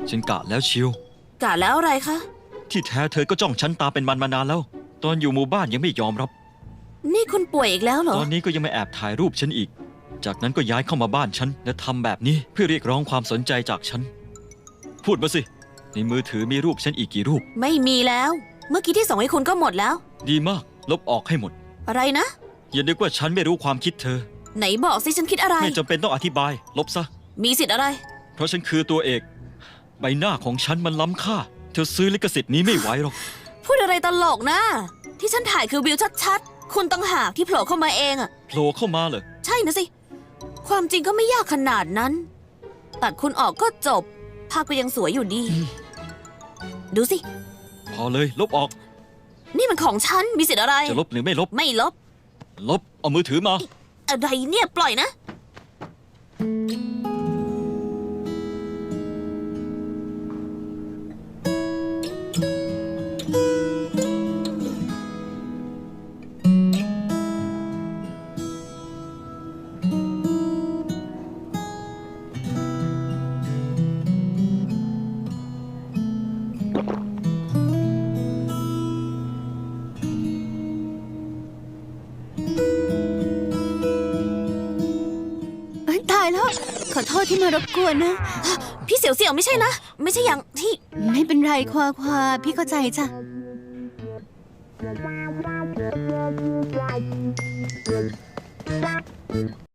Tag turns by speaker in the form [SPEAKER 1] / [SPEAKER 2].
[SPEAKER 1] ฉันกะแล้วชิว
[SPEAKER 2] กะแล้วอะไรคะ
[SPEAKER 1] ที่แท้เธอก็จ้องฉันตาเป็นมันมานานแล้วตอนอยู่หมู่บ้านยังไม่ยอมรับ
[SPEAKER 2] นี่คุณป่วยอีกแล้วเหรอ
[SPEAKER 1] ตอนนี้ก็ยังไม่แอบถ่ายรูปฉันอีกจากนั้นก็ย้ายเข้ามาบ้านฉันและทำแบบนี้เพื่อเรียกร้องความสนใจจากฉันพูดมาสิในมือถือมีรูปฉันอีกกี่รูป
[SPEAKER 2] ไม่มีแล้วเมื่อกี้ที่ส่งให้คุณก็หมดแล้ว
[SPEAKER 1] ดีมากลบออกให้หมด
[SPEAKER 2] อะไรนะ
[SPEAKER 1] อย่านึกว่าฉันไม่รู้ความคิดเธอ
[SPEAKER 2] ไหนบอกสิฉันคิดอะไร
[SPEAKER 1] ไม่จำเป็นต้องอธิบายลบซะ
[SPEAKER 2] มีสิทธิ์อะไร
[SPEAKER 1] เพราะฉันคือตัวเอกใบหน้าของฉันมันล้ำค่าเธอซื้อลิขสิทธิ์นี้ไม่ไหวหรอก
[SPEAKER 2] พูดอะไรตลกนะที่ฉันถ่ายคือวิวชัดๆคุณต่างหากที่โผล่เข้ามาเองอะ
[SPEAKER 1] โผล่เข้ามาเหรอ
[SPEAKER 2] ใช่นะสิความจริงก็ไม่ยากขนาดนั้นตัดคุณออกก็จบภาพก็ยังสวยอยู่ดีดูสิ
[SPEAKER 1] พอเลยลบออก
[SPEAKER 2] นี่มันของฉันมีสิทธิ์อะไร
[SPEAKER 1] จะลบหรือไม่ลบ
[SPEAKER 2] ไม่ลบ
[SPEAKER 1] ลบเอามือถือมา
[SPEAKER 2] อะไรเนี่ยปล่อยนะ
[SPEAKER 3] ตายแล้วขอโทษที่มารบกวนนะ
[SPEAKER 2] พี่เสี่ยวๆไม่ใช่นะไม่ใช่อย่างที่
[SPEAKER 3] ไม่เป็นไรควาพี่เข้าใจจ้ะ